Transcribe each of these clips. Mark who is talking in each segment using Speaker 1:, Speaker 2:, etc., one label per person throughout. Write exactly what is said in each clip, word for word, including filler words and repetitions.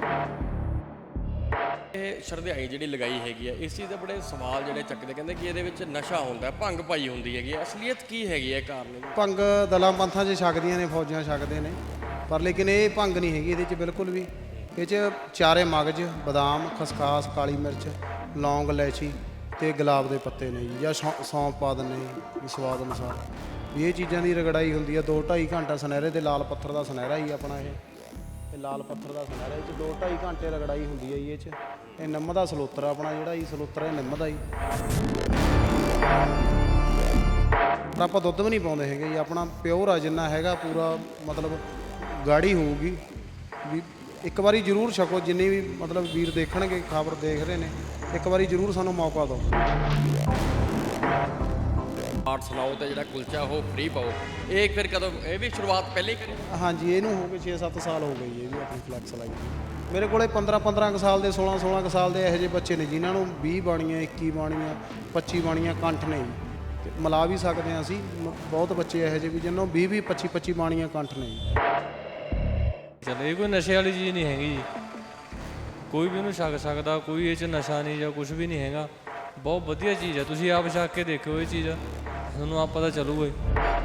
Speaker 1: ਇਹ ਸ਼ਰਧਾਈ ਜਿਹੜੀ ਲਗਾਈ ਹੈਗੀ ਆ, ਇਸ ਚੀਜ਼ ਦੇ ਬੜੇ ਸਵਾਲ ਜਿਹੜੇ ਚੱਕਦੇ, ਕਹਿੰਦੇ ਕਿ ਇਹਦੇ ਵਿੱਚ ਨਸ਼ਾ ਹੁੰਦਾ, ਭੰਗ ਪਾਈ ਹੁੰਦੀ ਹੈਗੀ ਆ। ਅਸਲੀਅਤ ਕੀ ਹੈਗੀ ਹੈ, ਕਾਰਨ?
Speaker 2: ਭੰਗ ਦਲਾਂ ਪੰਥਾਂ 'ਚ ਛਕਦੀਆਂ ਨੇ, ਫੌਜਾਂ ਛਕਦੇ ਨੇ, ਪਰ ਲੇਕਿਨ ਇਹ ਭੰਗ ਨਹੀਂ ਹੈਗੀ ਇਹਦੇ 'ਚ ਬਿਲਕੁਲ ਵੀ। ਇਹ 'ਚ ਚਾਰੇ ਮਗਜ਼, ਬਦਾਮ, ਖਸਖਾਸ, ਕਾਲੀ ਮਿਰਚ, ਲੌਂਗ, ਇਲਾਇਚੀ ਅਤੇ ਗੁਲਾਬ ਦੇ ਪੱਤੇ ਨੇ ਜੀ, ਜਾਂ ਸੌ ਸੌਂਫ ਪਾ ਦਿੰਦੇ ਜੀ ਸਵਾਦ ਅਨੁਸਾਰ। ਵੀ ਇਹ ਚੀਜ਼ਾਂ ਦੀ ਰਗੜਾਈ ਹੁੰਦੀ ਆ ਦੋ ਢਾਈ ਘੰਟਾ ਸੁਨਹਿਰੇ ਦੇ ਲਾਲ ਪੱਥਰ ਦਾ ਸੁਨਹਿਰਾ ਹੀ ਆਪਣਾ ਇਹ ਇਹ ਲਾਲ ਪੱਥਰ ਦਾ ਸੁਨਹਿਰਾ, ਇਹ 'ਚ ਦੋ ਢਾਈ ਘੰਟੇ ਰਗੜਾਈ ਹੁੰਦੀ ਹੈ ਜੀ। ਇਹ 'ਚ ਇਹ ਨਿੰਮ ਦਾ ਸਲੋਤਰ ਆਪਣਾ ਜਿਹੜਾ ਜੀ ਸਲੋਤਰ ਇਹ ਨਿੰਮ ਦਾ ਜੀ। ਪਰ ਆਪਾਂ ਦੁੱਧ ਵੀ ਨਹੀਂ ਪਾਉਂਦੇ ਹੈਗੇ ਜੀ, ਆਪਣਾ ਪਿਓਰ ਆ ਜਿੰਨਾ ਹੈਗਾ ਪੂਰਾ, ਮਤਲਬ ਗਾੜੀ ਹੋਊਗੀ। ਵੀ ਇੱਕ ਵਾਰੀ ਜ਼ਰੂਰ ਛਕੋ, ਜਿੰਨੇ ਵੀ ਮਤਲਬ ਵੀਰ ਦੇਖਣਗੇ, ਖਬਰ ਦੇਖ ਰਹੇ ਨੇ, ਇੱਕ ਵਾਰੀ ਜ਼ਰੂਰ ਸਾਨੂੰ ਮੌਕਾ ਦਿਓ।
Speaker 1: ਆਰਟ ਸੁਣਾਓ ਤੇ ਜਿਹੜਾ ਕੁਲਚਾ ਉਹ ਫ੍ਰੀ ਪਾਓ, ਇਹ ਫਿਰ ਕਦੋਂ? ਇਹ ਵੀ ਸ਼ੁਰੂਆਤ ਪਹਿਲੇ ਹੀ ਕਰੀ?
Speaker 2: ਹਾਂਜੀ, ਇਹਨੂੰ ਹੋ ਗਏ ਛੇ ਸੱਤ ਸਾਲ ਹੋ ਗਏ ਜੀ, ਇਹ ਵੀ ਆਪਣੀ ਫਲੈਕਸ ਲਾਈ। ਮੇਰੇ ਕੋਲੇ ਪੰਦਰਾਂ ਪੰਦਰਾਂ ਕੁ ਸਾਲ ਦੇ, ਸੋਲਾਂ ਸੋਲਾਂ ਕੁ ਸਾਲ ਦੇ ਇਹੋ ਜਿਹੇ ਬੱਚੇ ਨੇ ਜਿਨ੍ਹਾਂ ਨੂੰ ਵੀਹ ਬਾਣੀਆਂ, ਇੱਕੀ ਬਾਣੀਆਂ, ਪੱਚੀ ਬਾਣੀਆਂ ਕੰਠ ਨੇ ਜੀ। ਤੇ ਮਿਲਾ ਵੀ ਸਕਦੇ ਹਾਂ ਅਸੀਂ, ਮ- ਬਹੁਤ ਬੱਚੇ ਇਹੋ ਜਿਹੇ ਵੀ ਜਿਹਨਾਂ ਨੂੰ ਵੀਹ ਵੀਹ ਪੱਚੀ ਪੱਚੀ ਬਾਣੀਆਂ ਕੰਠ ਨੇ ਜੀ।
Speaker 3: ਚਲੋ ਇਹ ਕੋਈ ਨਸ਼ੇ ਵਾਲੀ ਚੀਜ਼ ਨਹੀਂ ਹੈਗੀ ਜੀ, ਕੋਈ ਵੀ ਉਹਨੂੰ ਛਕ ਸਕਦਾ, ਕੋਈ ਇਹ 'ਚ ਨਸ਼ਾ ਨਹੀਂ ਜਾਂ ਕੁਝ ਵੀ ਨਹੀਂ ਹੈਗਾ। ਬਹੁਤ ਵਧੀਆ ਚੀਜ਼ ਹੈ, ਤੁਸੀਂ ਆਪ ਛਕ ਕੇ ਦੇਖਿਓ ਇਹ ਚੀਜ਼, ਤੁਹਾਨੂੰ ਆਪ ਪਤਾ ਚੱਲੂਗਾ ਜੀ।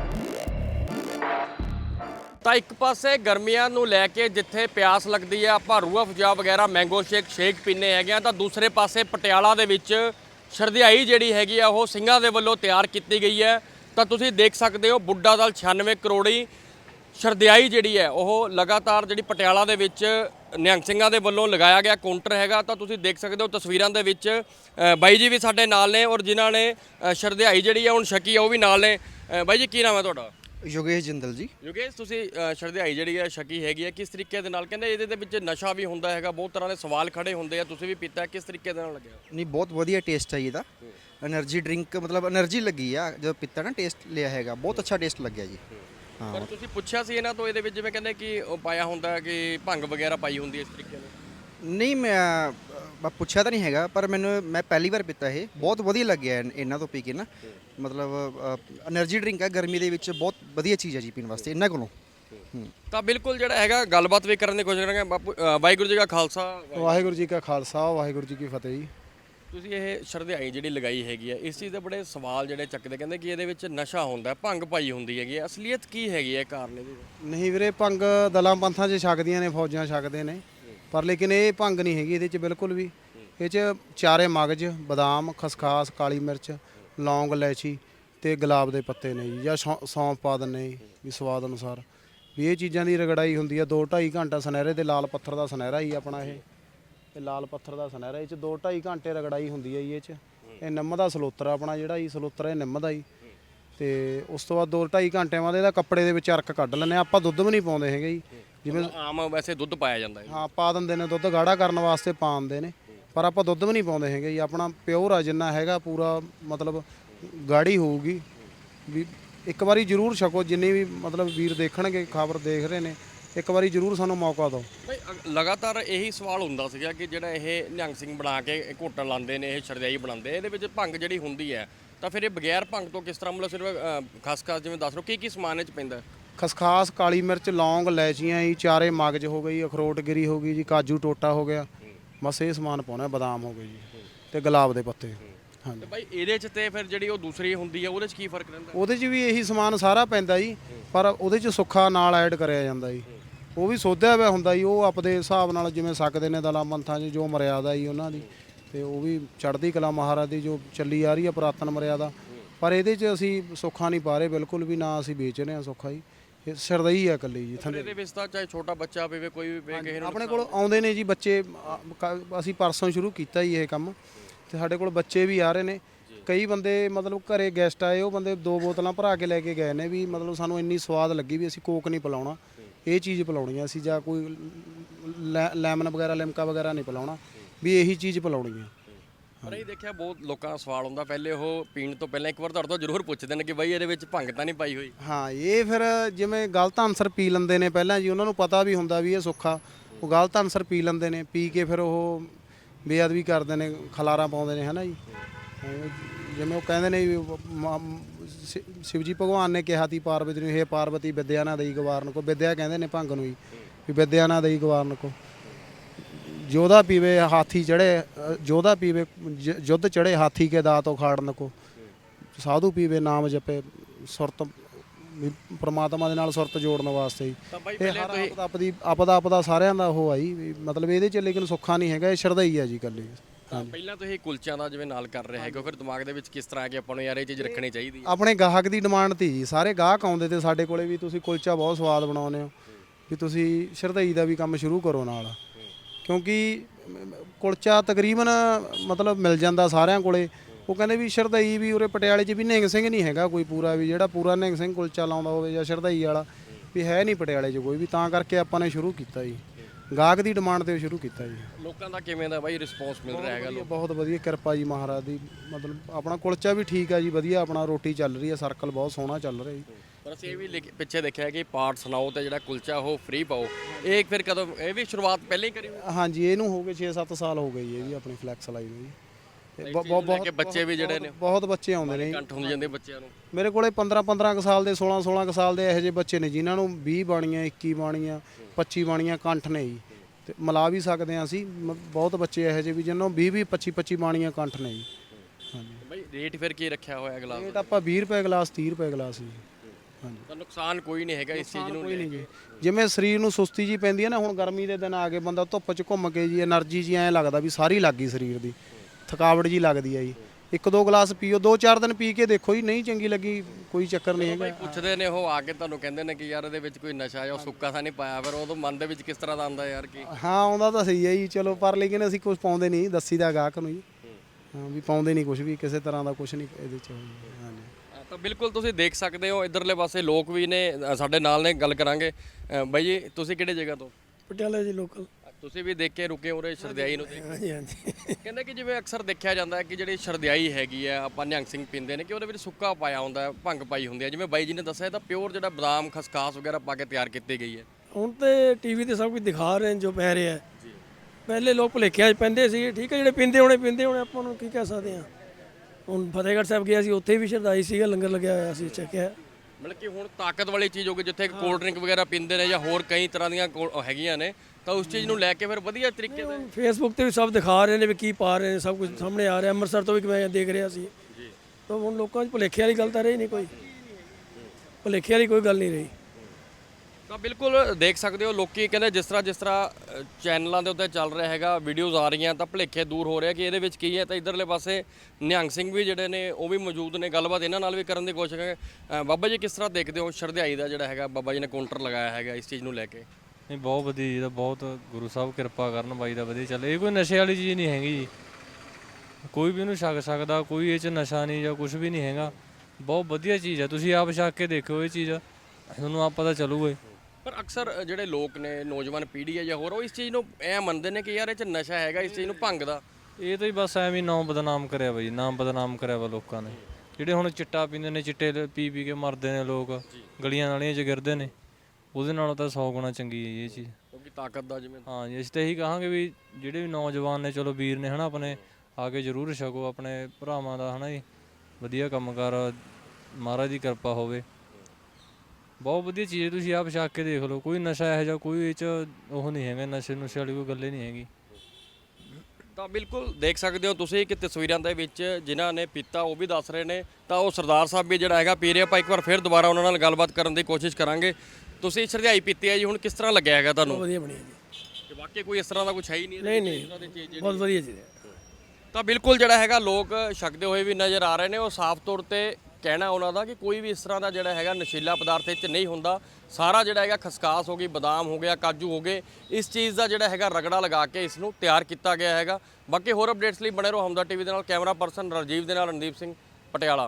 Speaker 1: ਤਾਂ ਇੱਕ ਪਾਸੇ ਗਰਮੀਆਂ ਨੂੰ ਲੈ ਕੇ ਜਿੱਥੇ ਪਿਆਸ ਲੱਗਦੀ ਹੈ, ਆਪਾਂ ਰੂਹ ਅਫਜ਼ਾ ਵਗੈਰਾ, ਮੈਂਗੋ ਸ਼ੇਕ ਸ਼ੇਕ ਪੀਂਦੇ ਹੈਗੇ ਆ, ਤਾਂ ਦੂਸਰੇ ਪਾਸੇ ਪਟਿਆਲਾ ਦੇ ਵਿੱਚ ਸ਼ਰਧਾਈ ਜਿਹੜੀ ਹੈਗੀ ਆ ਉਹ ਸਿੰਘਾਂ ਦੇ ਵੱਲੋਂ ਤਿਆਰ ਕੀਤੀ ਗਈ ਹੈ। ਤਾਂ ਤੁਸੀਂ ਦੇਖ ਸਕਦੇ ਹੋ ਬੁੱਢਾ ਦਲ ਛਿਆਨਵੇਂ ਕਰੋੜੀ ਸ਼ਰਧਾਈ ਜਿਹੜੀ ਹੈ ਉਹ ਲਗਾਤਾਰ ਜਿਹੜੀ ਪਟਿਆਲਾ ਦੇ ਵਿੱਚ ਨਿਹੰਗ ਸਿੰਘਾਂ ਦੇ ਵੱਲੋਂ ਲਗਾਇਆ ਗਿਆ ਕਾਊਂਟਰ ਹੈਗਾ। ਤਾਂ ਤੁਸੀਂ ਦੇਖ ਸਕਦੇ ਹੋ ਤਸਵੀਰਾਂ ਦੇ ਵਿੱਚ ਅ, ਬਾਈ ਜੀ ਵੀ ਸਾਡੇ ਨਾਲ ਨੇ, ਔਰ ਜਿਨ੍ਹਾਂ ਨੇ ਅ, ਸ਼ਰਧਾਈ ਜਿਹੜੀ ਹੈ ਹੁਣ ਛਕੀ ਆ ਉਹ ਵੀ ਨਾਲ ਨੇ। ਅ, ਬਾਈ ਜੀ ਕੀ ਨਾਮ ਹੈ ਤੁਹਾਡਾ?
Speaker 4: ਯੋਗੇਸ਼ ਜਿੰਦਲ ਜੀ।
Speaker 1: ਯੋਗੇਸ਼, ਤੁਸੀਂ ਅ, ਸ਼ਰਧਾਈ ਜਿਹੜੀ ਹੈ ਛਕੀ ਹੈਗੀ ਹੈ, ਕਿਸ ਤਰੀਕੇ ਦੇ ਨਾਲ? ਕਹਿੰਦੇ ਇਹਦੇ ਦੇ ਵਿੱਚ ਨਸ਼ਾ ਵੀ ਹੁੰਦਾ ਹੈਗਾ, ਬਹੁਤ ਤਰ੍ਹਾਂ ਦੇ ਸਵਾਲ ਖੜੇ ਹੁੰਦੇ ਆ, ਤੁਸੀਂ ਵੀ ਪੀਤਾ, ਕਿਸ ਤਰੀਕੇ ਦੇ ਨਾਲ ਲੱਗਿਆ?
Speaker 4: ਨਹੀਂ, ਬਹੁਤ ਵਧੀਆ ਟੇਸਟ ਹੈ ਇਹਦਾ। એનર્ਜੀ ਡਰਿੰਕ, ਮਤਲਬ એનર્ਜੀ ਲੱਗੀ ਆ ਜਦੋਂ ਪੀਤਾ ਨਾ, ਟੇਸਟ ਲਿਆ ਹੈਗਾ, ਬਹੁਤ ਅੱਛਾ ਟੇਸਟ ਲੱਗਿਆ ਜੀ। ਹਾਂ,
Speaker 1: ਪਰ ਤੁਸੀਂ ਪੁੱਛਿਆ ਸੀ ਇਹਨਾਂ ਤੋਂ, ਇਹਦੇ ਵਿੱਚ ਜਿਵੇਂ ਕਹਿੰਦੇ ਕਿ ਉਹ ਪਾਇਆ ਹੁੰਦਾ ਹੈ ਕਿ ਭੰਗ ਵਗੈਰਾ ਪਾਈ ਹੁੰਦੀ ਹੈ, ਇਸ ਤਰੀਕੇ ਨਾਲ?
Speaker 4: ਨਹੀਂ ਮੈਂ ਮੈਂ ਪੁੱਛਿਆ ਤਾਂ ਨਹੀਂ ਹੈਗਾ, ਪਰ ਮੈਨੂੰ ਮੈਂ ਪਹਿਲੀ ਵਾਰ ਪੀਤਾ ਇਹ, ਬਹੁਤ ਵਧੀਆ ਲੱਗਿਆ ਇਨ- ਇਹਨਾਂ ਤੋਂ ਪੀ ਕੇ ਨਾ। ਮਤਲਬ એનર્ਜੀ ਡਰਿੰਕ ਹੈ, ਗਰਮੀ ਦੇ ਵਿੱਚ ਬਹੁਤ ਵਧੀਆ ਚੀਜ਼ ਹੈ ਜੀ ਪੀਣ ਵਾਸਤੇ ਇਹਨਾਂ ਕੋਲੋਂ। ਹੂੰ।
Speaker 1: ਤਾਂ ਬਿਲਕੁਲ ਜਿਹੜਾ ਹੈਗਾ ਗੱਲਬਾਤ ਵੀ ਕਰਨ ਦੀ ਕੋਸ਼ਿਸ਼ ਕਰਾਂਗੇ। ਬਾਪੂ ਅ, ਵਾਹਿਗੁਰੂ ਜੀ ਕਾ ਖਾਲਸਾ।
Speaker 2: ਵਾਹਿਗੁਰੂ ਜੀ ਕਾ ਖਾਲਸਾ, ਵਾਹਿਗੁਰੂ ਜੀ ਕੀ ਫਤਿਹ ਜੀ।
Speaker 1: ਤੁਸੀਂ ਇਹ ਸ਼ਰਧਾਈ ਜਿਹੜੀ ਲਗਾਈ ਹੈਗੀ ਆ, ਇਸ ਚੀਜ਼ ਦੇ ਬੜੇ ਸਵਾਲ ਜਿਹੜੇ ਚੱਕਦੇ, ਕਹਿੰਦੇ ਕਿ ਇਹਦੇ ਵਿੱਚ ਨਸ਼ਾ ਹੁੰਦਾ, ਭੰਗ ਪਾਈ ਹੁੰਦੀ ਹੈਗੀ ਆ। ਅਸਲੀਅਤ ਕੀ ਹੈਗੀ ਹੈ, ਕਾਰਨ ਇਹਦੇ?
Speaker 2: ਨਹੀਂ ਵੀਰੇ, ਭੰਗ ਦਲਾਂ ਪੰਥਾਂ 'ਚ ਛਕਦੀਆਂ ਨੇ, ਫੌਜਾਂ ਛਕਦੇ ਨੇ, ਪਰ ਲੇਕਿਨ ਇਹ ਭੰਗ ਨਹੀਂ ਹੈਗੀ ਇਹਦੇ 'ਚ ਬਿਲਕੁਲ ਵੀ। ਇਹ 'ਚ ਚਾਰੇ ਮਗਜ਼, ਬਦਾਮ, ਖਸਖਾਸ, ਕਾਲੀ ਮਿਰਚ, ਲੌਂਗ, ਇਲਾਇਚੀ ਅਤੇ ਗੁਲਾਬ ਦੇ ਪੱਤੇ ਨੇ ਜੀ, ਜਾਂ ਸੌ ਸੌਂਫ ਪਾ ਦਿੰਦੇ ਜੀ ਵੀ ਸਵਾਦ ਅਨੁਸਾਰ। ਵੀ ਇਹ ਚੀਜ਼ਾਂ ਦੀ ਰਗੜਾਈ ਹੁੰਦੀ ਆ ਦੋ ਢਾਈ ਘੰਟਾ ਸੁਨਹਿਰੇ ਦੇ ਲਾਲ ਪੱਥਰ ਦਾ ਸੁਨਹਿਰਾ ਹੀ ਆਪਣਾ ਇਹ ਇਹ ਲਾਲ ਪੱਥਰ ਦਾ ਸੁਨਹਿਰਾ, ਇਹ 'ਚ ਦੋ ਢਾਈ ਘੰਟੇ ਰਗੜਾਈ ਹੁੰਦੀ ਹੈ ਜੀ। ਇਹ 'ਚ ਇਹ ਨਿੰਮ ਦਾ ਸਲੋਤਰ ਆਪਣਾ ਜਿਹੜਾ ਜੀ ਸਲੋਤਰ ਇਹ ਨਿੰਮ ਦਾ ਜੀ। ਅਤੇ ਉਸ ਤੋਂ ਬਾਅਦ ਦੋ ਢਾਈ ਘੰਟਿਆਂ ਬਾਅਦ ਇਹਦਾ ਕੱਪੜੇ ਦੇ ਵਿੱਚ ਅਰਕ ਕੱਢ ਲੈਂਦੇ ਹਾਂ। ਆਪਾਂ ਦੁੱਧ ਵੀ ਨਹੀਂ ਪਾਉਂਦੇ ਹੈਗੇ ਜੀ, ਜਿਵੇਂ
Speaker 1: ਆਮ ਵੈਸੇ ਦੁੱਧ ਪਾਇਆ ਜਾਂਦਾ ਹੈ।
Speaker 2: ਹਾਂ, ਪਾ ਦਿੰਦੇ ਨੇ, ਦੁੱਧ ਗਾੜਾ ਕਰਨ ਵਾਸਤੇ ਪਾ ਦਿੰਦੇ ਨੇ, ਪਰ ਆਪਾਂ ਦੁੱਧ ਵੀ ਨਹੀਂ ਪਾਉਂਦੇ ਹੈਗੇ ਜੀ। ਆਪਣਾ ਪਿਓਰ ਆ ਜਿੰਨਾ ਹੈਗਾ ਪੂਰਾ, ਮਤਲਬ ਗਾੜੀ ਹੋਊਗੀ। ਵੀ ਇੱਕ ਵਾਰੀ ਜ਼ਰੂਰ ਛਕੋ, ਜਿੰਨੇ ਵੀ ਮਤਲਬ ਵੀਰ ਦੇਖਣਗੇ, ਖਬਰ ਦੇਖ ਰਹੇ ਨੇ, ਇੱਕ ਵਾਰੀ ਜ਼ਰੂਰ ਸਾਨੂੰ ਮੌਕਾ ਦਿਓ।
Speaker 1: ਬਈ ਅ- ਲਗਾਤਾਰ ਇਹੀ ਸਵਾਲ ਹੁੰਦਾ ਸੀਗਾ ਕਿ ਜਿਹੜਾ ਇਹ ਨਿਹੰਗ ਸਿੰਘ ਬਣਾ ਕੇ ਘੋਟਣ ਲਾਉਂਦੇ ਨੇ, ਇਹ ਸ਼ਰਧਾਈ ਬਣਾਉਂਦੇ, ਇਹਦੇ ਵਿੱਚ ਭੰਗ ਜਿਹੜੀ ਹੁੰਦੀ ਹੈ, ਤਾਂ ਫਿਰ ਇਹ ਬਗੈਰ ਭੰਗ ਤੋਂ ਕਿਸ ਤਰ੍ਹਾਂ? ਮਤਲਬ ਸਿਰਫ ਅ, ਖਸਖਸ ਜਿਵੇਂ ਦੱਸ ਰਹੇ ਹੋ, ਕੀ ਕੀ ਸਮਾਨ ਇਹ 'ਚ ਪੈਂਦਾ?
Speaker 2: ਖਸਖਾਸ, ਕਾਲੀ ਮਿਰਚ, ਲੌਂਗ, ਇਲਾਇਚੀਆਂ ਜੀ, ਚਾਰੇ ਮਗਜ਼ ਹੋ ਗਈ, ਅਖਰੋਟ ਗਿਰੀ ਹੋ ਗਈ ਜੀ, ਕਾਜੂ ਟੋਟਾ ਹੋ ਗਿਆ, ਬਸ ਇਹ ਸਮਾਨ ਪਾਉਣਾ, ਬਦਾਮ ਹੋ ਗਏ ਜੀ, ਅਤੇ ਗੁਲਾਬ ਦੇ ਪੱਤੇ। ਹਾਂਜੀ,
Speaker 1: ਤੇ ਬਾਈ ਇਹਦੇ 'ਚ ਤੇ ਫਿਰ ਜਿਹੜੀ ਉਹ ਦੂਸਰੀ ਹੁੰਦੀ ਹੈ, ਉਹਦੇ 'ਚ ਕੀ ਫਰਕ ਰਹਿੰਦਾ?
Speaker 2: ਉਹਦੇ 'ਚ ਵੀ ਇਹੀ ਸਮਾਨ ਸਾਰਾ ਪੈਂਦਾ ਜੀ, ਪਰ ਉਹਦੇ 'ਚ ਸੁੱਖਾ ਨਾਲ ਐਡ ਕਰਿਆ ਜਾਂਦਾ ਜੀ। ਉਹ ਵੀ ਸੋਧਿਆ ਹੋਇਆ ਹੁੰਦਾ ਜੀ, ਉਹ ਆਪਦੇ ਹਿਸਾਬ ਨਾਲ ਜਿਵੇਂ ਸਕਦੇ ਨੇ ਦਲਾਂ ਪੰਥਾਂ 'ਚ ਜੋ ਮਰਿਆਦਾ ਜੀ ਉਹਨਾਂ ਦੀ, ਅਤੇ ਉਹ ਵੀ ਚੜ੍ਹਦੀ ਕਲਾ ਮਹਾਰਾਜ ਦੀ ਜੋ ਚੱਲੀ ਆ ਰਹੀ ਹੈ ਪੁਰਾਤਨ ਮਰਿਆਦਾ। ਪਰ ਇਹਦੇ 'ਚ ਅਸੀਂ ਸੁੱਖਾ ਨਹੀਂ ਪਾ ਰਹੇ ਬਿਲਕੁਲ ਵੀ, ਨਾ ਅਸੀਂ ਵੇਚ ਰਹੇ ਹਾਂ ਸੁੱਖਾ ਜੀ, ਇਹ ਸ਼ਰਧਾਈ ਆ ਇਕੱਲੀ ਜੀ ਥੱਲੇ।
Speaker 1: ਇਹਦੇ ਵਿੱਚ ਤਾਂ ਚਾਹੇ ਛੋਟਾ ਬੱਚਾ ਪੀਵੇ, ਕੋਈ ਵੀ ਪੀਵੇ, ਕਿਸੇ ਨੂੰ
Speaker 2: ਆਪਣੇ ਕੋਲ ਆਉਂਦੇ ਨੇ ਜੀ ਬੱਚੇ, ਆ, ਕ- ਅਸੀਂ ਪਰਸੋਂ ਸ਼ੁਰੂ ਕੀਤਾ ਜੀ ਇਹ ਕੰਮ, ਤੇ ਸਾਡੇ ਕੋਲ ਬੱਚੇ ਵੀ ਆ ਰਹੇ ਨੇ। ਕਈ ਬੰਦੇ ਮਤਲਬ ਘਰੇ ਗੈਸਟ ਆਏ, ਉਹ ਬੰਦੇ ਦੋ ਬੋਤਲਾਂ ਭਰਾ ਕੇ ਲੈ ਕੇ ਗਏ ਨੇ ਵੀ ਮਤਲਬ ਸਾਨੂੰ ਇੰਨੀ ਸਵਾਦ ਲੱਗੀ ਵੀ ਅਸੀਂ ਕੋਕ ਨਹੀਂ ਪਿਲਾਉਣਾ, ਇਹ ਚੀਜ਼ ਪਿਲਾਉਣੀ ਆ ਅਸੀਂ, ਜਾਂ ਕੋਈ ਲੈ- ਲੈਮਨ ਵਗੈਰਾ, ਲਿਮਕਾ ਵਗੈਰਾ ਨਹੀਂ ਪਿਲਾਉਣਾ, ਵੀ ਇਹੀ ਚੀਜ਼ ਪਿਲਾਉਣੀ ਹੈ।
Speaker 1: ਪਰ ਇਹ ਦੇਖਿਆ ਬਹੁਤ ਲੋਕਾਂ ਦਾ ਸਵਾਲ ਹੁੰਦਾ, ਪਹਿਲੇ ਉਹ ਪੀਣ ਤੋਂ ਪਹਿਲਾਂ ਇੱਕ ਵਾਰ ਤੁਹਾਡੇ ਤੋਂ ਜ਼ਰੂਰ ਪੁੱਛਦੇ ਨੇ ਕਿ ਬਾਈ ਇਹਦੇ ਵਿੱਚ ਭੰਗ ਤਾਂ ਨਹੀਂ ਪਾਈ ਹੋਈ?
Speaker 2: ਹਾਂ, ਇਹ ਫਿਰ ਜਿਵੇਂ ਗਲਤ ਆਨਸਰ ਪੀ ਲੈਂਦੇ ਨੇ ਪਹਿਲਾਂ ਜੀ, ਉਹਨਾਂ ਨੂੰ ਪਤਾ ਵੀ ਹੁੰਦਾ ਵੀ ਇਹ ਸੁੱਖਾ, ਉਹ ਗਲਤ ਆਨਸਰ ਪੀ ਲੈਂਦੇ ਨੇ, ਪੀ ਕੇ ਫਿਰ ਉਹ ਬੇਅਦਬੀ ਕਰਦੇ ਨੇ, ਖਲਾਰਾ ਪਾਉਂਦੇ ਨੇ, ਹੈ ਨਾ ਜੀ। ਜਿਵੇਂ ਉਹ ਕਹਿੰਦੇ ਨੇ ਵੀ ਮ- ਸ਼ਿ- ਸ਼ਿਵ ਜੀ ਭਗਵਾਨ ਨੇ ਕਿਹਾ ਤੀ ਪਾਰਵਤੀ ਨੂੰ, ਇਹ ਪਾਰਵਤੀ ਵਿਦਿਆ ਨਾ ਦੇਈ ਗਵਾਰਨ ਕੋ, ਵਿਦਿਆ ਕਹਿੰਦੇ ਨੇ ਭੰਗ ਨੂੰ ਜੀ, ਵੀ ਵਿਦਿਆ ਨਾ ਦੇਈ ਗਵਾਰਨ ਕੋ। ਜੋਧਾ ਪੀਵੇ ਹਾਥੀ ਚੜੇ, ਜੋਧਾ ਪੀਵੇ ਜ- ਯੁੱਧ ਚੜੇ ਹਾਥੀ ਕੇ ਦਾਤ ਉਖਾੜਨ ਕੋ, ਸਾਧੂ ਪੀਵੇ ਨਾਮ ਜਪੇ ਸੁਰਤ, ਵੀ ਪ੍ਰਮਾਤਮਾ ਦੇ ਨਾਲ ਸੁਰਤ ਜੋੜਨ ਵਾਸਤੇ ਜੀ।
Speaker 1: ਤਾਂ ਬਾਈ
Speaker 2: ਇਹ
Speaker 1: ਪਹਿਲੇ
Speaker 2: ਹਰ
Speaker 1: ਤੁਸੀਂ
Speaker 2: ਆਪਦਾ ਆਪਦੀ ਆਪਦਾ ਆਪਦਾ ਸਾਰਿਆਂ ਦਾ ਉਹ ਆਈ ਵੀ ਮਤਲਬ ਇਹਦੇ ਚ ਲੇਕਿਨ ਸੁੱਖਾ ਨਹੀਂ ਹੈਗਾ, ਇਹ ਸ਼ਰਧਾਈ ਆ ਜੀ ਇਕੱਲੀ।
Speaker 1: ਤਾਂ ਪਹਿਲਾਂ ਤੁਸੀਂ ਕੁਲਚਿਆਂ ਦਾ ਜਿਵੇਂ ਨਾਲ ਕਰ ਰਹੇ ਹੈਗੇ ਹੋ, ਫਿਰ ਦਿਮਾਗ ਦੇ ਵਿੱਚ ਕਿਸ ਤਰ੍ਹਾਂ ਆ ਕਿ ਆਪਾਂ ਨੂੰ ਯਾਰ ਇਹ ਚੀਜ਼ ਰੱਖਣੀ ਚਾਹੀਦੀ ਹੈ?
Speaker 2: ਆਪਣੇ ਗਾਹਕ ਦੀ ਡਿਮਾਂਡ ਤੀ ਜੀ, ਸਾਰੇ ਗਾਹਕ ਆਉਂਦੇ ਤੇ ਸਾਡੇ ਕੋਲੇ ਵੀ ਤੁਸੀਂ ਕੁਲਚਾ ਬਹੁਤ ਸਵਾਦ ਬਣਾਉਂਦੇ ਹੋ, ਵੀ ਤੁਸੀਂ ਸ਼ਰਧਾਈ ਦਾ ਵੀ ਕੰਮ ਸ਼ੁਰੂ ਕਰੋ ਨਾਲ, ਕਿਉਂਕਿ ਮ- ਕੁਲਚਾ ਤਕਰੀਬਨ ਮਤਲਬ ਮਿਲ ਜਾਂਦਾ ਸਾਰਿਆਂ ਕੋਲੇ। ਉਹ ਕਹਿੰਦੇ ਵੀ ਸ਼ਰਧਾਈ ਵੀ ਉਰੇ ਪਟਿਆਲੇ 'ਚ ਵੀ ਨਿਹੰਗ ਸਿੰਘ ਨਹੀਂ ਹੈਗਾ ਕੋਈ ਪੂਰਾ, ਵੀ ਜਿਹੜਾ ਪੂਰਾ ਨਿਹੰਗ ਸਿੰਘ ਕੁਲਚਾ ਲਾਉਂਦਾ ਹੋਵੇ ਜਾਂ ਸ਼ਰਧਾਈ ਵਾਲਾ ਵੀ ਹੈ ਨਹੀਂ ਪਟਿਆਲੇ 'ਚ ਕੋਈ ਵੀ, ਤਾਂ ਕਰਕੇ ਆਪਾਂ ਨੇ ਸ਼ੁਰੂ ਕੀਤਾ ਜੀ, ਗਾਹਕ ਦੀ ਡਿਮਾਂਡ ਤੇ ਸ਼ੁਰੂ ਕੀਤਾ ਜੀ।
Speaker 1: ਲੋਕਾਂ ਦਾ ਕਿਵੇਂ ਦਾ ਬਾਈ ਰਿਸਪੌਂਸ ਮਿਲ ਰਿਹਾ ਹੈਗਾ?
Speaker 2: ਵਧੀਆ, ਬਹੁਤ ਵਧੀਆ ਕਿਰਪਾ ਜੀ ਮਹਾਰਾਜ ਦੀ, ਮਤਲਬ ਆਪਣਾ ਕੁਲਚਾ ਵੀ ਠੀਕ ਆ ਜੀ, ਵਧੀਆ ਆਪਣਾ ਰੋਟੀ ਚੱਲ ਰਹੀ ਹੈ, ਸਰਕਲ ਬਹੁਤ ਸੋਹਣਾ ਚੱਲ ਰਿਹਾ ਜੀ।
Speaker 1: ਪਰ ਅਸੀਂ ਇਹ ਵੀ ਲਿਖ- ਪਿੱਛੇ ਦੇਖਿਆ ਕਿ ਪਾਰਟ ਸੁਣਾਓ ਤੇ ਜਿਹੜਾ ਕੁਲਚਾ ਉਹ ਫ੍ਰੀ ਪਾਓ, ਇਹ ਫਿਰ ਕਦੋਂ, ਇਹ ਵੀ ਸ਼ੁਰੂਆਤ ਪਹਿਲਾਂ ਹੀ ਕਰੀ ਹੋਈ?
Speaker 2: ਹਾਂਜੀ, ਇਹਨੂੰ ਹੋ ਗਏ ਛੇ ਸੱਤ ਸਾਲ ਹੋ ਗਏ ਜੀ, ਇਹ ਵੀ ਆਪਣੀ ਫਲੈਕਸ ਲਾਈ ਨੂੰ ਜੀ। ਤੇ
Speaker 1: ਇਸ
Speaker 2: ਬ-
Speaker 1: ਚੀਜ਼ ਨੂੰ ਲੈ
Speaker 2: ਬਹੁਤ
Speaker 1: ਕੇ ਬੱਚੇ ਵੀ ਜਿਹੜੇ ਨੇ
Speaker 2: ਬਹੁਤ ਬੱਚੇ ਆਉਂਦੇ ਨੇ ਜੀ।
Speaker 1: ਕੰਠ ਹੁੰਦੇ ਜਾਂਦੇ ਬੱਚਿਆਂ ਨੂੰ।
Speaker 2: ਮੇਰੇ ਕੋਲੇ ਪੰਦਰਾਂ ਪੰਦਰਾਂ ਕੁ ਸਾਲ ਦੇ ਸੋਲਾਂ ਸੋਲਾਂ ਕੁ ਸਾਲ ਦੇ ਇਹੋ ਜਿਹੇ ਬੱਚੇ ਨੇ ਜਿਨ੍ਹਾਂ ਨੂੰ ਵੀਹ ਬਾਣੀਆਂ ਇੱਕੀ ਬਾਣੀਆਂ ਪੱਚੀ ਬਾਣੀਆਂ ਕੰਠ ਨੇ ਜੀ, ਤੇ ਮਿਲਾ ਵੀ ਸਕਦੇ ਹਾਂ ਅਸੀਂ, ਮ- ਬਹੁਤ ਬੱਚੇ ਇਹੋ ਜਿਹੇ ਵੀ ਜਿਨ੍ਹਾਂ ਨੂੰ ਵੀਹ ਵੀਹ ਪੱਚੀ ਪੱਚੀ ਬਾਣੀਆਂ ਕੰਠ ਨੇ ਜੀ। ਹਾਂਜੀ,
Speaker 1: ਬਾਈ ਰੇਟ ਫਿਰ ਕੀ ਰੱਖਿਆ ਹੋਇਆ ਗਲਾਸ
Speaker 2: ਰੇਟ ਆਪਾਂ ਵੀਹ ਰੁਪਏ ਗਲਾਸ ਤੀਹ ਰੁਪਏ ਗਲਾਸ ਜੀ। ਹਾਂਜੀ,
Speaker 1: ਤਾਂ ਨੁਕਸਾਨ ਕੋਈ ਨਹੀਂ ਹੈਗਾ ਇਸ ਚੀਜ਼ ਨੂੰ?
Speaker 2: ਕੋਈ ਨਹੀਂ ਜੀ, ਜਿਵੇਂ ਸਰੀਰ ਨੂੰ ਸੁਸਤੀ ਜੀ ਪੈਂਦੀ ਹੈ ਨਾ, ਹੁਣ ਗਰਮੀ ਦੇ ਦਿਨ ਆ ਕੇ ਬੰਦਾ ਧੁੱਪ 'ਚ ਘੁੰਮ ਕੇ ਜੀ એનર્ਜੀ ਜੀ ਐਂ ਲੱਗਦਾ ਵੀ ਸਾਰੀ ਲੱਗ ਗਈ ਸਰੀਰ ਦੀ, ਥਕਾਵਟ ਜੀ ਲੱਗਦੀ ਆ ਜੀ। ਇੱਕ ਦੋ ਗਲਾਸ ਪੀਓ, ਦੋ ਚਾਰ ਦਿਨ ਪੀ ਕੇ ਦੇਖੋ ਜੀ, ਨਹੀਂ ਚੰਗੀ ਲੱਗੀ ਕੋਈ ਚੱਕਰ ਨਹੀਂ
Speaker 1: ਬਾਈ
Speaker 2: ਹੈਗਾ।
Speaker 1: ਪੁੱਛਦੇ ਨੇ ਉਹ ਆ ਕੇ ਤੁਹਾਨੂੰ ਕਹਿੰਦੇ ਨੇ ਕਿ ਯਾਰ ਇਹਦੇ ਵਿੱਚ ਕੋਈ ਨਸ਼ਾ ਜਾਂ ਸੁੱਕਾ ਤਾਂ ਨਹੀਂ ਪਾਇਆ, ਫਿਰ ਉਦੋਂ ਮਨ ਦੇ ਵਿੱਚ ਕਿਸ ਤਰ੍ਹਾਂ ਦਾ ਆਉਂਦਾ ਯਾਰ ਕਿ
Speaker 2: ਹਾਂ, ਆਉਂਦਾ ਤਾਂ ਸਹੀ ਹੈ ਜੀ, ਚਲੋ ਪਰ ਲੇਕਿਨ ਅਸੀਂ ਕੁਝ ਪਾਉਂਦੇ ਨਹੀਂ, ਦੱਸੀ ਦਾ ਗਾਹਕ ਨੂੰ ਜੀ, ਹਾਂ ਵੀ ਪਾਉਂਦੇ ਨਹੀਂ ਕੁਝ ਵੀ, ਕਿਸੇ ਤਰ੍ਹਾਂ ਦਾ ਕੁਝ ਨਹੀਂ ਇਹਦੇ 'ਚ। ਹਾਂਜੀ,
Speaker 1: ਅ, ਤਾਂ ਬਿਲਕੁਲ ਤੁਸੀਂ ਦੇਖ ਸਕਦੇ ਹੋ ਇਧਰਲੇ ਪਾਸੇ ਲੋਕ ਵੀ ਨੇ ਅ, ਸਾਡੇ ਨਾਲ ਨੇ, ਗੱਲ ਕਰਾਂਗੇ। ਅ, ਬਾਈ ਜੀ ਤੁਸੀਂ ਕਿਹੜੇ ਜਗ੍ਹਾ ਤੋਂ?
Speaker 5: ਪਟਿਆਲਾ ਜੀ ਲੋਕਲ।
Speaker 1: ਅ, ਤੁਸੀਂ ਵੀ ਦੇਖ ਕੇ ਰੁਕੇ ਉਰੇ ਸ਼ਰਦਿਆਈ ਨੂੰ ਦੇਖ ਕੇ?
Speaker 5: ਹਾਂਜੀ ਹਾਂਜੀ
Speaker 1: ਕਹਿੰਦੇ ਕਿ ਜਿਵੇਂ ਅਕਸਰ ਦੇਖਿਆ ਜਾਂਦਾ ਹੈ ਕਿ ਜਿਹੜੀ ਸ਼ਰਦਿਆਈ ਹੈਗੀ ਆ, ਆਪਾਂ ਨਿਹੰਗ ਸਿੰਘ ਪੀਂਦੇ ਨੇ ਕਿ ਉਹਦੇ ਵਿੱਚ ਸੁੱਕਾ ਪਾਇਆ ਹੁੰਦਾ ਹੈ, ਭੰਗ ਪਾਈ ਹੁੰਦੀ ਹੈ, ਜਿਵੇਂ ਬਾਈ ਜੀ ਨੇ ਦੱਸਿਆ ਇਹ ਤਾਂ ਪਿਓਰ ਜਿਹੜਾ ਬਦਾਮ ਖਸਖਾਸ ਵਗੈਰਾ ਪਾ ਕੇ ਤਿਆਰ ਕੀਤੀ ਗਈ ਹੈ।
Speaker 5: ਹੁਣ ਤੇ ਟੀਵੀ ਤੇ ਸਭ ਕੁਝ ਦਿਖਾ ਰਹੇ ਨੇ ਜੋ ਪੈ ਰਿਹਾ ਹੈ। ਪਹਿਲੇ ਲੋਕ ਭੁਲੇਖਿਆਂ 'ਚ ਪੈਂਦੇ ਸੀ, ਠੀਕ ਹੈ, ਜਿਹੜੇ ਪੀਂਦੇ ਹੋਣੇ ਪੀਂਦੇ ਹੋਣੇ, ਆਪਾਂ ਨੂੰ ਕੀ ਕਹਿ ਸਕਦੇ ਹਾਂ। ਹੁਣ ਫਤਿਹਗੜ੍ਹ ਸਾਹਿਬ ਗਿਆ ਸੀ, ਉੱਥੇ ਵੀ ਸ਼ਰਦਾਈ ਸੀਗਾ, ਲੰਗਰ ਲੱਗਿਆ ਹੋਇਆ ਸੀ, ਚੱਕਿਆ।
Speaker 1: ਮਤਲਬ ਕਿ ਹੁਣ ਤਾਕਤ ਵਾਲੀ ਚੀਜ਼ ਹੋ ਗਈ, ਜਿੱਥੇ ਕੋਲਡ ਡਰਿੰਕ ਵਗੈਰਾ ਪੀਂਦੇ ਨੇ ਜਾਂ ਹੋਰ ਕਈ ਤਰ੍ਹਾਂ ਦੀਆਂ ਕੋ- ਹੈਗੀਆਂ ਨੇ, ਤਾਂ ਉਸ ਚੀਜ਼ ਨੂੰ ਲੈ ਕੇ ਫਿਰ ਵਧੀਆ ਤਰੀਕੇ ਦੇ
Speaker 5: ਫੇਸਬੁੱਕ ਤੇ ਵੀ ਸਭ ਦਿਖਾ ਰਹੇ ਨੇ ਵੀ ਕੀ ਪਾ ਰਹੇ ਨੇ, ਸਭ ਕੁਝ ਸਾਹਮਣੇ ਆ ਰਿਹਾ। ਅੰਮ੍ਰਿਤਸਰ ਤੋਂ ਵੀ ਮੈਂ ਦੇਖ ਰਿਹਾ ਸੀ। ਤਾਂ ਹੁਣ ਲੋਕਾਂ 'ਚ ਭੁਲੇਖੇ ਵਾਲੀ ਗੱਲ ਤਾਂ ਰਹੀ ਨਹੀਂ, ਕੋਈ ਭੁਲੇਖੇ ਵਾਲੀ ਕੋਈ ਗੱਲ ਨਹੀਂ ਰਹੀ।
Speaker 1: ਤਾਂ ਬਿਲਕੁਲ ਦੇਖ ਸਕਦੇ ਹੋ ਲੋਕੀ ਕਹਿੰਦੇ ਜਿਸ ਤਰ੍ਹਾਂ ਜਿਸ ਤਰ੍ਹਾਂ ਅ, ਚੈਨਲਾਂ ਦੇ ਉੱਤੇ ਚੱਲ ਰਿਹਾ ਹੈਗਾ, ਵੀਡੀਓਜ਼ ਆ ਰਹੀਆਂ, ਤਾਂ ਭੁਲੇਖੇ ਦੂਰ ਹੋ ਰਿਹਾ ਕਿ ਇਹਦੇ ਵਿੱਚ ਕੀ ਹੈ। ਤਾਂ ਇਧਰਲੇ ਪਾਸੇ ਨਿਹੰਗ ਸਿੰਘ ਵੀ ਜਿਹੜੇ ਨੇ ਉਹ ਵੀ ਮੌਜੂਦ ਨੇ, ਗੱਲਬਾਤ ਇਹਨਾਂ ਨਾਲ ਵੀ ਕਰਨ ਦੀ ਕੋਸ਼ਿਸ਼ ਕਰਾਂਗੇ। ਅ, ਬਾਬਾ ਜੀ ਕਿਸ ਤਰ੍ਹਾਂ ਦੇਖਦੇ ਹੋ ਸ਼ਰਧਾਈ ਦਾ ਜਿਹੜਾ ਹੈਗਾ, ਬਾਬਾ ਜੀ ਨੇ ਕਾਊਂਟਰ ਲਗਾਇਆ ਹੈਗਾ ਇਸ ਚੀਜ਼ ਨੂੰ ਲੈ ਕੇ?
Speaker 3: ਨਹੀਂ, ਬਹੁਤ ਵਧੀਆ ਜੀ, ਇਹਦਾ ਬਹੁਤ ਗੁਰੂ ਸਾਹਿਬ ਕਿਰਪਾ ਕਰਨ, ਬਾਈ ਦਾ ਵਧੀਆ ਚੱਲ। ਇਹ ਕੋਈ ਨਸ਼ੇ ਵਾਲੀ ਚੀਜ਼ ਨਹੀਂ ਹੈਗੀ ਜੀ, ਕੋਈ ਵੀ ਇਹਨੂੰ ਛਕ ਸਕਦਾ, ਕੋਈ ਇਹ 'ਚ ਨਸ਼ਾ ਨਹੀਂ ਜਾਂ ਕੁਝ ਵੀ ਨਹੀਂ ਹੈਗਾ। ਬਹੁਤ ਵਧੀਆ ਚੀਜ਼ ਹੈ, ਤੁਸੀਂ ਆਪ ਛਕ ਕੇ ਦੇਖੋ ਇਹ ਚੀਜ਼, ਤੁਹਾਨੂੰ ਆਪ ਪਤਾ ਚੱਲੂਗਾ ਹੀ।
Speaker 1: ਪਰ ਅਕਸਰ ਜਿਹੜੇ ਲੋਕ ਨੇ, ਨੌਜਵਾਨ ਪੀੜ੍ਹੀ ਹੈ ਜਾਂ ਹੋਰ, ਉਹ ਇਸ ਚੀਜ਼ ਨੂੰ ਐ ਮੰਨਦੇ ਨੇ ਕਿ ਯਾਰ ਇਹ 'ਚ ਨਸ਼ਾ ਹੈਗਾ, ਇਸ ਚੀਜ਼ ਨੂੰ ਭੰਗ ਦਾ।
Speaker 3: ਇਹ ਤਾਂ ਹੀ ਬਸ ਐਵੇਂ ਹੀ ਨਾਮ ਬਦਨਾਮ ਕਰਿਆ ਵਾ ਜੀ, ਨਾਮ ਬਦਨਾਮ ਕਰਿਆ ਵਾ ਲੋਕਾਂ ਨੇ। ਜਿਹੜੇ ਹੁਣ ਚਿੱਟਾ ਪੀਂਦੇ ਨੇ, ਚਿੱਟੇ ਲ- ਪੀ ਪੀ ਕੇ ਮਰਦੇ ਨੇ ਲੋਕ, ਗਲੀਆਂ ਨਾਲੀਆਂ 'ਚ ਗਿਰਦੇ ਨੇ, ਉਹਦੇ ਨਾਲੋਂ ਤਾਂ ਸੌ ਗੁਣਾ ਚੰਗੀ ਹੈ ਜੀ ਇਹ ਚੀਜ਼।
Speaker 1: ਕਿਉਂਕਿ ਤਾਕਤ ਦਾ ਜਿਵੇਂ
Speaker 3: ਹਾਂ ਜੀ, ਅਸੀਂ ਤਾਂ ਇਹੀ ਕਹਾਂਗੇ ਵੀ ਜਿਹੜੇ ਵੀ ਨੌਜਵਾਨ ਨੇ, ਚਲੋ ਵੀਰ ਨੇ ਹਨਾ ਆਪਣੇ, ਆ ਕੇ ਜ਼ਰੂਰ ਛਕੋ, ਆਪਣੇ ਭਰਾਵਾਂ ਦਾ ਹਨਾ ਜੀ, ਵਧੀਆ ਕੰਮ ਕਰ, ਮਹਾਰਾਜ ਦੀ ਕਿਰਪਾ ਹੋਵੇ। ਬਹੁਤ ਵਧੀਆ ਚੀਜ਼ ਹੈ, ਤੁਸੀਂ ਆਪ ਛਕ ਕੇ ਦੇਖ ਲਓ, ਕੋਈ ਨਸ਼ਾ ਇਹੋ ਜਿਹਾ ਕੋਈ ਇਹ 'ਚ ਉਹ ਨਹੀਂ ਹੈਗਾ, ਨਸ਼ੇ ਨੁਸ਼ੇ ਵਾਲੀ ਕੋਈ ਗੱਲ ਹੀ ਨਹੀਂ ਹੈਗੀ।
Speaker 1: ਤਾਂ ਬਿਲਕੁਲ ਦੇਖ ਸਕਦੇ ਹੋ ਤੁਸੀਂ ਕਿ ਤਸਵੀਰਾਂ ਦੇ ਵਿੱਚ ਜਿਨ੍ਹਾਂ ਨੇ ਪੀਤਾ ਉਹ ਵੀ ਦੱਸ ਰਹੇ ਨੇ, ਤਾਂ ਉਹ ਸਰਦਾਰ ਸਾਹਿਬ ਵੀ ਜਿਹੜਾ ਹੈਗਾ ਪੀ ਰਹੇ। ਆਪਾਂ ਇੱਕ ਵਾਰ ਫਿਰ ਦੁਬਾਰਾ ਉਹਨਾਂ ਨਾਲ ਗੱਲਬਾਤ ਕਰਨ ਦੀ ਕੋਸ਼ਿਸ਼ ਕਰਾਂਗੇ। ਤੁਸੀਂ ਸ਼ਰਧਾਈ ਪੀਤੀ ਹੈ ਜੀ, ਹੁਣ ਕਿਸ ਤਰ੍ਹਾਂ ਲੱਗਿਆ ਹੈਗਾ ਤੁਹਾਨੂੰ?
Speaker 5: ਵਧੀਆ ਬਣੀ ਹੈ ਜੀ।
Speaker 1: ਕਿ ਵਾਕਈ ਕੋਈ ਇਸ ਤਰ੍ਹਾਂ ਦਾ ਕੁਝ ਹੈ ਹੀ ਨਹੀਂ?
Speaker 5: ਨਹੀਂ ਨਹੀਂ, ਬਹੁਤ ਵਧੀਆ ਚੀਜ਼ ਹੈ।
Speaker 1: ਤਾਂ ਬਿਲਕੁਲ ਜਿਹੜਾ ਹੈਗਾ ਲੋਕ ਛਕਦੇ ਹੋਏ ਵੀ ਨਜ਼ਰ ਆ ਰਹੇ ਨੇ। ਉਹ ਸਾਫ਼ ਤੌਰ ਤੇ ਕਹਿਣਾ ਉਹਨਾਂ ਦਾ ਕਿ ਕੋਈ ਵੀ ਇਸ ਤਰ੍ਹਾਂ ਦਾ ਜਿਹੜਾ ਹੈਗਾ ਨਸ਼ੀਲਾ ਪਦਾਰਥ ਇਹ 'ਚ ਨਹੀਂ ਹੁੰਦਾ। ਸਾਰਾ ਜਿਹੜਾ ਹੈਗਾ ਖਸਖਾਸ ਹੋ ਗਈ, ਬਦਾਮ ਹੋ ਗਿਆ, ਕਾਜੂ ਹੋ ਗਏ, ਇਸ ਚੀਜ਼ ਦਾ ਜਿਹੜਾ ਹੈਗਾ ਰਗੜਾ ਲਗਾ ਕੇ ਇਸ ਨੂੰ ਤਿਆਰ ਕੀਤਾ ਗਿਆ ਹੈਗਾ। ਬਾਕੀ ਹੋਰ ਅਪਡੇਟਸ ਲਈ ਬਣੇ ਰਹੋ ਹਮਦਰ ਟੀਵੀ ਦੇ ਨਾਲ। ਕੈਮਰਾ ਪਰਸਨ ਰਾਜੀਵ ਦੇ ਨਾਲ ਰਣਦੀਪ ਸਿੰਘ, ਪਟਿਆਲਾ।